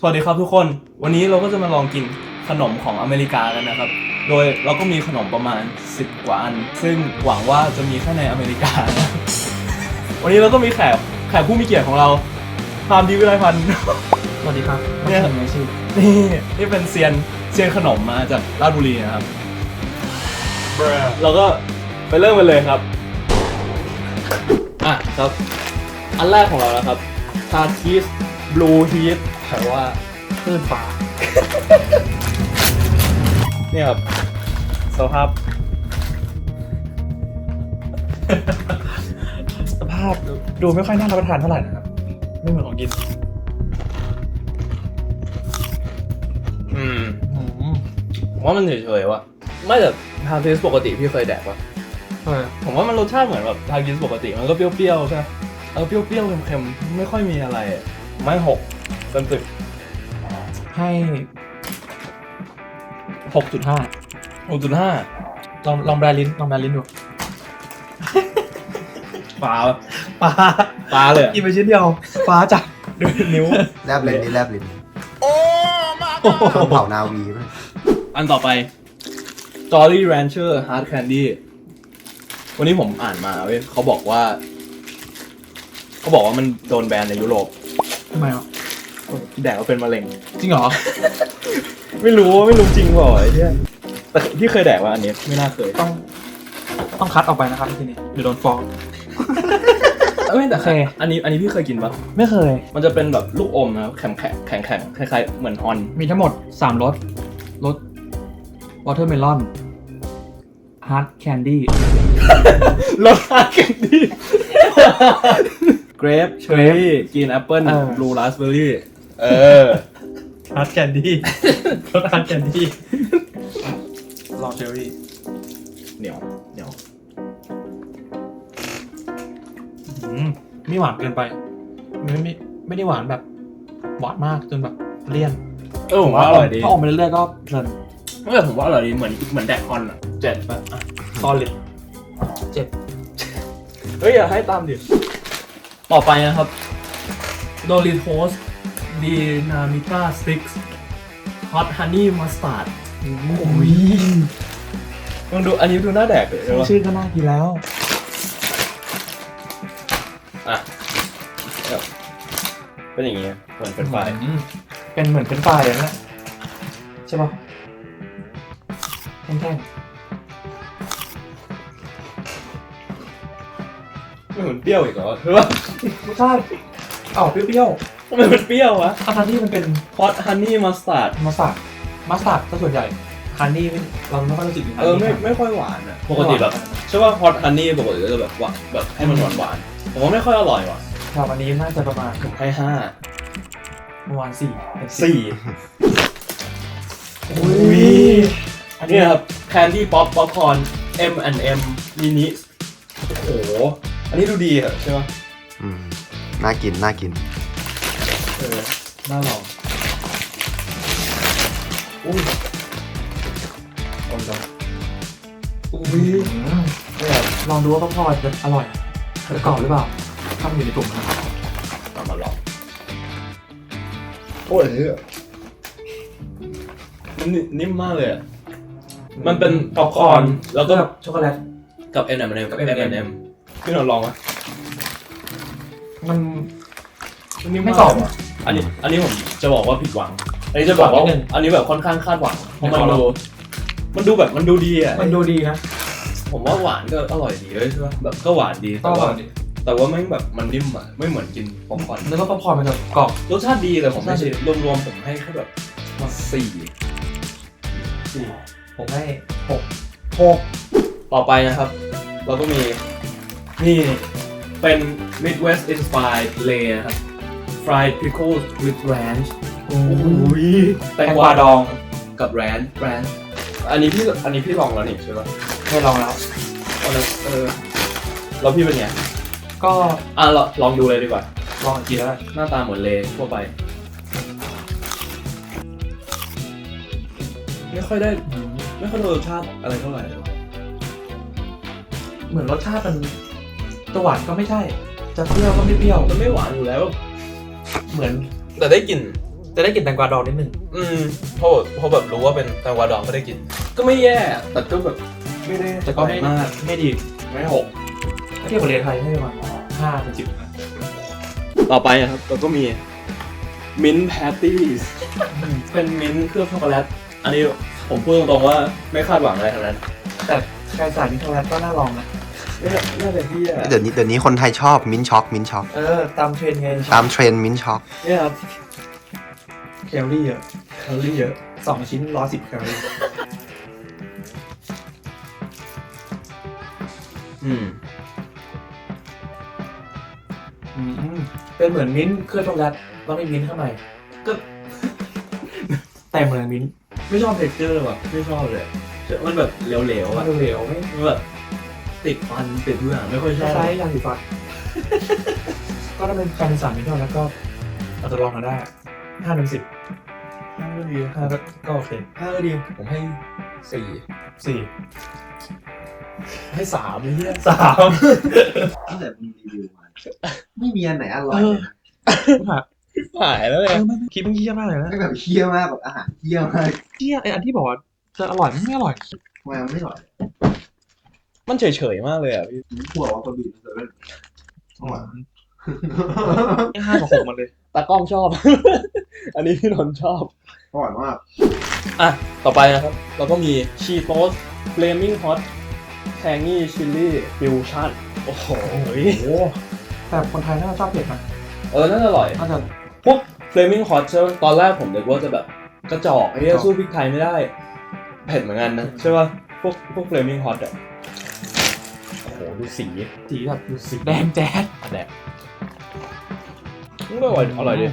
วัสดีครับทุกคน วันนี้เราก็จะมาลองกินขนมของอเมริกากันนะครับ โดยเราก็มีขนมประมาณ10 กว่าอัน ซึ่งหวังว่าจะมีแค่ในอเมริกานะ วันนี้เราก็มีแขกผู้มีเกียรติของเราพามดีวิไลพันธ์สวัสดีครับเนี่ยทำไงชื่อนี่เป็นเซียนขนมมาจากราชบุรีนะครับ เราก็ไปเริ่มกันเลยครับ ครับ อันแรกของเรานะครับชาชีสบลูฮีทแปลว่าคลื่นฟ้าเนี่ยครับสภาพสภาพดูไม่ค่อยน่ารับประทานเท่าไหร่นะครับ ไม่เหมือนของกินผมว่ามันเฉยๆว่ะไม่แต่ทางทีสปกติพี่เคยแดกว่ะผมว่ามันรสชาติเหมือนแบบทางทีสปกติมันก็เปรี้ยวๆใช่ไหมเปรี้ยวๆเค็มๆไม่ค่อยมีอะไรไม่หกเต็มสิบให้ 6.5 6.5 ลองแบรลิ้นดูปลาปลาเลยกินไปชิ้นเดียวฟ้าจัดดูนิ้วแลบลิ้นนี่แลบลิ้นชมเผ่านาวีไหมอันต่อไป Jolly Rancher Hard Candy วันนี้ผมอ่านมาเว้ยเขาบอกว่ามันโดนแบนในยุโรปทำไมอ่ะแดกแล้วเป็นมะเร็งจริงเหรอไม่รู้จริงเปล่าไอ้เนี่ยแต่พี่เคยแดกว่าอันนี้ไม่น่าเคยต้องคัดออกไปนะครับทีนี้เดี๋ยวโดนฟ้องไม่แต่โอเคอันนี้พี่เคยกินปะไม่เคยมันจะเป็นแบบลูกอมนะครับแข็งคล้ายๆเหมือนฮอนมีทั้งหมด3รสรสวอเตอร์เมลอนฮาร์ดแคนดี้รสชาติแคนดี้ เกรปเชอร์รี่กรีนแอปเปิ้ลบลูราสเบอร์รี่ฮาร์ดแคนดี้ รสฮาร์ดแคนดี้ลองเชอรี่เหนียวไม่หวานเกินไปไม่ได้หวานแบบหวานมากจนแบบเลี่ยนผมว่าอร่อยดีถ้าอมไปเรื่อยๆก็เพลินไม่แต่ผมว่าอร่อยดีเหมือนแดกฮอนอ่ะ7ป่ะ solid เฮ้ยอย่าให้ตามดิต่อไปนะครับ Doritos Dinamita Sticks Hot Honey Mustard โอ้ยมึงดูอันนี้ดูน่าแดกเลยใช่ปะชื่อก็น่ากินแล้วอ่ะเป็นอย่างงี้เหมือนเป็นไฟเป็นเหมือนเป็นไฟล์อย่างนั้นใช่ป่ะแท่งไม่เหมือนเปรี้ยวอีกเหรอคือว่าๆรสชาติเปรี้ยวทำไมมันเปรี้ยววะๆทั้งที่มันเป็น Hot Honey Mustard มัสตาร์ดก็ส่วนใหญ่ฮันนี่เราไม่ค่อยรู้สึกถึงฮันนี่ไม่ค่อยหวานอ่ะปกติแบบใช่ว่า Hot Honey ปกติก็จะแบบหวานแบบให้มันหวานผมว่าไม่ค่อยอร่อยว่ะครับอันนี้น่าจะประมาณผมให้ประมาณ4 อุ้ยอันนี้ครับ Candy Pop Popcorn M&M Mini โอ้โหอันนี้ดูดีอะใช่ปะน่ากินน่าลองอุ้ยเนี่ยลองดูว่าพอจะอร่อยหรือกรอบหรือเปล่าถ้ามันอยู่ในถุงนะเอามาลองโอ้ยมันนิ่มมากเลยอะมันเป็นป๊อปคอร์นแล้วก็ช็อกโกแลตกับ M&M กับ M&M พี่นนท์ลองไหมมันนิ่ไม่กรอบอ่ะอันนี้ผมจะบอกว่าผิดหวังอันนี้จะบอกว่านิดนึงอันนี้แบบค่อนข้างคาดหวังเพราะไม่มันขอลดูองมันดูแบบมันดูดีอ่ะมันดูดีนะผมว่าหวานก็อร่อยดีเลยใช่ปะแบบก็หวานดีแต่ว่าไม่แบบมันนิ่มอ่ะไม่เหมือนกินป๊อปคอร์นแล้วก็ป๊อปคอร์นมันจะกรอบรสชาติดีแต่ผมไม่รสชาติใช่ดีรวมๆผมให้แค่แบบ4 ผมให้6 ต่อไปนะครับ เราก็มีนี่เป็น Midwest Inspired Lay นะครับ Fried Pickles with Ranch โอ้ยแตงกวาดองกับแรนอันนี้พี่ลองแล้วนี่ใช่ปะให้ลองแล้วแล้วพี่เป็นไงก็ลองดูเลยดีกว่าลองอีกทีแล้วกันหน้าตาเหมือนเลทั่วไป ไม่ค่อยได้รสชาติอะไรเท่าไหร่เลยเหมือนรสชาติมันจะหวานก็ไม่ใช่ จะเปรี้ยวก็ไม่เปรี้ยวมันไม่หวานอยู่แล้วเหมือนแต่ได้กลิ่นจะได้กลิ่นแตงกวาดองนิดนึงพอแบบรู้ว่าเป็นแตงกวาดองก็ได้กิน ก็ไม่แย่แต่ก็แบบไม่ได้แต่ก็ไม่มากไม่ดีไม่หกถ้าเทียบกับเรียนไทยให้ประมาณ5 เป็น 10นะต่อไปนะครับเราก็มีมิ้นท์แพตตี้เป็นมิ้นท์เคลือบช็อกโกแลตอันนี้ผมพูดตรงๆว่าไม่คาดหวังอะไรทั้งนั้นแต่ใครใส่มินท์ช็อกโกแลตก็น่าลองนะน่าจะที่เดี๋ยวนี้คนไทยชอบมิ้นท์ช็อกมิ้นท์ช็อกตามเทรนด์ไงตามเทรนด์มิ้นท์ช็อกเนี่ยครับแคลอรี่เยอะ2 ชิ้น110 แคลอรี่ เป็นเหมือนมิ้นท์เคลือบช็อกโกแลตแล้วไม่มิ้นท์ข้างในก็ เต็มเลยมิ้นท์ไม่ชอบเท็กเจอร์ว่ะไม่ชอบเลยมันแบบเหลวๆมัอ่ะนเหลวๆไม่มันแบบติดฟันติดทุกอย่างไม่ค่อยชคอบล้ายๆยาสีฟัน ก็ถ้าเป็นการสารมิ้นท์ช็อกโกแลตก็อาจจะลองมาได้5 เป็น 10 5ก็ดี 5ก็โอเค 5ก็ดีผมให้4 4 ให้3เลยเนี่ย 3 ตั้งแต่มีรีวิวมาไม่มีอันไหนอร่อยเลยนะหายแล้วเลยไม่คิดมันเยี่ยมากเลยนะไม่แบบเคี้ยวมากแบบอาหารเคี้ยวมากเยี่ยไออันที่บอกว่าจะอร่อยไม่อร่อยทำไมมันไม่อร่อยมันเฉยๆมากเลยอ่ะพี่ผมกลัวว่าคนบีบมันจะเล่นอร่อย 5 กับ 6มันเลยตากล้องชอบ อันนี้พี่นนท์ชอบอร่อยมากอ่ะต่อไปนะครับ เราก็มีชีโตสเฟลมิ่งฮอตแทงงี้ชิลลี่ฟิวชั่นโอ้โหแต่คนไทยน่าจะชอบเผ็ดนะน่าจะอร่อยน่าจะพวกเฟลมิ่งฮอตใช่ไหมตอนแรกผมนึกว่าจะแบบกระจอกไอ้เหี้ยสู้พริกไทยไม่ได้เผ็ดเหมือนกันนะใช่ป่ะพวกเฟลมิ่งฮอตอ่ะโอ้โหดูสีสีแบบดูสีแดงแจ๊ดแดกมันก็อร่อยดี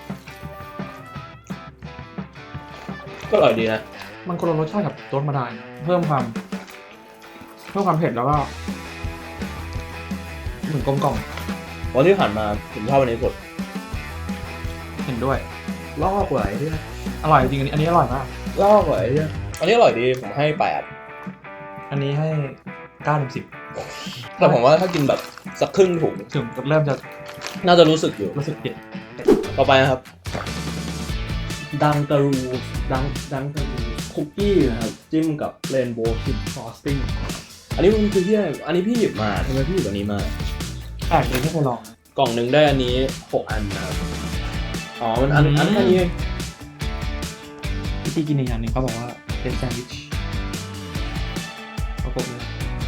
ก็อร่อยดีนะมันคนละรสชาติกับรสธรรมดาเพิ่มความเผ็ดแล้วก็เหมือนกลมกล่อมวันที่ผ่านมาผมชอบอันนี้สุดเห็นด้วยลอกกว่าไอ้เนี่ยอร่อยจริงอันนี้อร่อยมากลอกกว่าไอ้เนี่ยอันนี้อร่อยดีผมให้8 อันนี้ให้9 เป็นแต่ผมว่าถ้ากินแบบสักครึ่งถุง 10ถึงเริ่มจะน่าจะรู้สึกอยู่รู้สึกเผ็ดต่อไปนะครับ ดังการูดังการูคุกกี้นะครับจิ้มกับเรนโบว์คิดฟรอสติ้งอันนี้มันคือที่อะไรอันนี้พี่หยิบมาทำไมพี่หยิบอันนี้มาแปลกเลยไม่เคยลองกล่องหนึ่งได้อันนี้6 อันนะครับอ๋อมันอันแค่นี้เองวิธีกินอีกอย่างหนึ่งเขาบอกว่าเป็นแซนด์วิชประกบเลย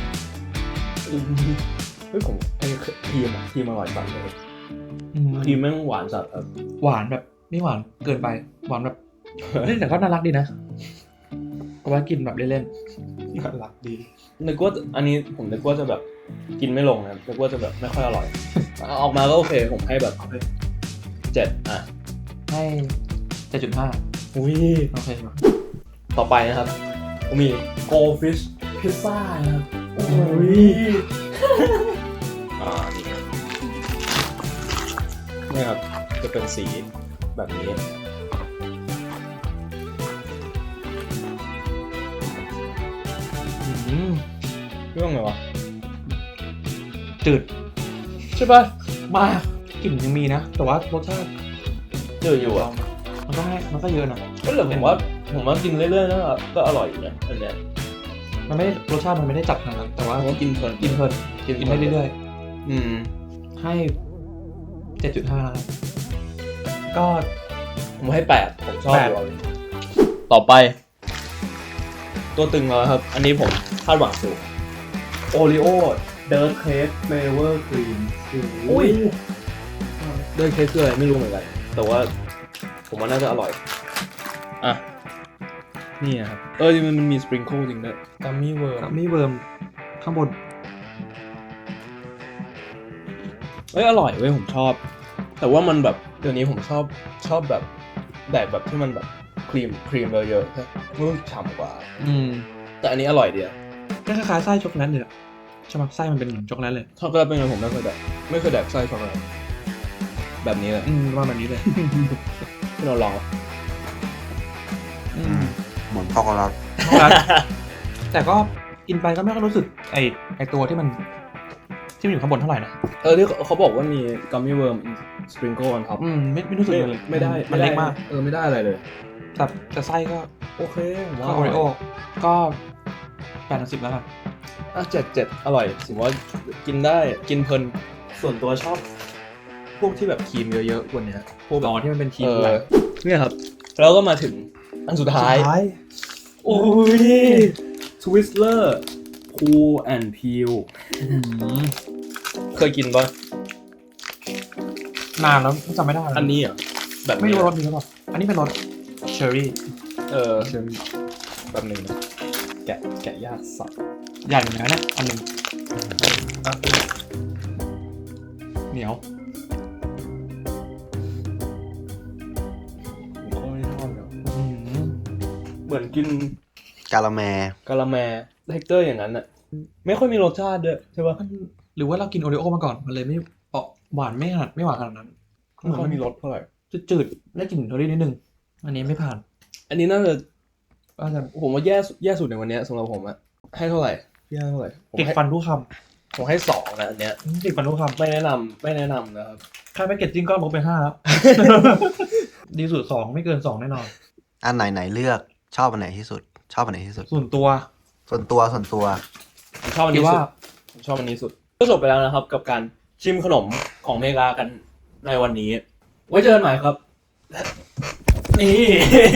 เฮ้ยผมไอ้ครีมอร่อยสัสเลยอืมครีมแม่งหวานสัสครับหวานแบบไม่หวานเกินไปหวานแบบเล่นแต่ก็น่ารักดีนะก็ว่ากินแบบเล่นๆน่ารักดีนึกว่าอันนี้ผมนึกว่าจะแบบกินไม่ลงนะนึกว่าจะแบบไม่ค่อยอร่อย ออกมาก็โอเคผมให้แบบ7อ่ะให้ 7.5 อุ้ยโอเคครับต่อไปนะครับผมมี Goldfish Pizza นะครับโอ้ยนี่ครับนี่ครับจะเป็นสีแบบนี้ เรื่องไงวะจืดใช่ป่ะมากกลิ่นยังมีนะ แต่ว่ารสชาติเจออยู่อ่ะมันก็เยอะนะก็เหลือผมว่ากินเรื่อยๆแล้วก็อร่อยอยู่นะอันเนี้ยมันไม่ได้รสชาติมันไม่ได้จัดขนาดนั้นแต่ว่าผมว่ากินเพลินกินเพลินกินได้เรื่อยอืมๆให้ 7.5นะครับก็ผมให้8ผมชอบ 8 อยู่ต่อไป ตัวตึงแล้วครับ อันนี้ผมคาดหวังสูงโอริโอเดิร์ทเค้กเฟเวอร์ครีมอุ้ยเดิร์ทเค้กคืออะไรไม่รู้เหมือนกัน แต่ว่าผมว่าน่าจะอร่อย อ่ะ นี่นะครับ มันมีสปริงเกิลจริงด้วยกัมมี่เวิร์กับมี่เวิร์มข้างบนอร่อยเว้ยผมชอบ แต่ว่ามันแบบเดี๋ยวนี้ผมชอบแบบแดกแบบที่มันแบบครีมเยอะๆใช่รู้สึกฉ่ำกว่า แต่อันนี้อร่อยดีอะก็คล้ายๆไส้ช็อกโกแลตเลยอะใช่ไหมไส้มันเป็นช็อกโกแลตเลยช็อกโกแลตเป็นไงผมไม่เคยแดกไส้ช็อกโกแลตแบบนี้เลยว่าแบบนี้เลยพี่นนท์ลองปะเหมือนช็อกโกแลตช็อกโกแลตแต่ก็กินไปก็ไม่ค่อยรู้สึกไอตัวที่มันอยู่ข้างบนเท่าไหร่นะที่เขาบอกว่ามีกัมมี่เวิร์ม sprinkle on top ไม่รู้สึกเลยไม่ได้มันเล็กมากไม่ได้อะไรเลยแต่ไส้ก็โอเคผมก็ว่าโอริโอก็8/10แล้วกัน 7 อร่อยผมว่ากินได้กินเพลินส่วนตัวชอบ พวกที่แบบครีมเยอะๆกว่านี้พวกต่อที่มันเป็นทีเอมอหลักเนี่ยครับแล้วก็มาถึงอันสุดท้าย โอ้ย Twizzler Cool and Peel เคยกินป่ะนานแล้วจำไม่ได้อันนี้เหรอแบบไม่รู้รสนี้หรือเปล่าอันนี้เป็นรสเชอร์รี่เชิญแบบหนึ่งนะแกะยากสับใหญ่เหมือนกันนะอันหนึ่งเหนียวผมก็ไม่ชอบเนาะเหมือนกินกาละแมกะละแมเท็กเจอร์อย่างนั้นอะไม่ค่อยมีรสชาติด้วยใช่ป่ะหรือว่าเรากินโอริโอมาก่อนมันเลยไม่หวานไม่หวานขนาดนั้นไม่ค่อยมีรสเท่าไหร่จืดๆได้กลิ่นเชอร์รี่นิดนึงอันนี้ไม่ผ่านอันนี้น่าจะอาจจะผมว่าแย่สุดในวันเนี้ยสำหรับผมอะให้เท่าไหร่พี่ให้เท่าไหร่ผมติดให้ฟันทุกคผมให้2นะอันเนี้ยำติดฟันทุกคำไม่แนะนำนะครับค่าแพ็กเกจจิ้งก็ลบไป5แล้ว ดีสุด2ไม่เกิน2แน่นอนอันไหนเลือกชอบอันไหนที่สุด ชอบอันไหนที่สุดส่วนตัวส่วนตัวผมชอบอันคิดนี้ว่าสุดผมชอบอันนี้สุดก็จบไปแล้วนะครับ กับการชิมขนมของอเมริกากันในวันนี้ ไว้เจอกันใหม่ครับ นี่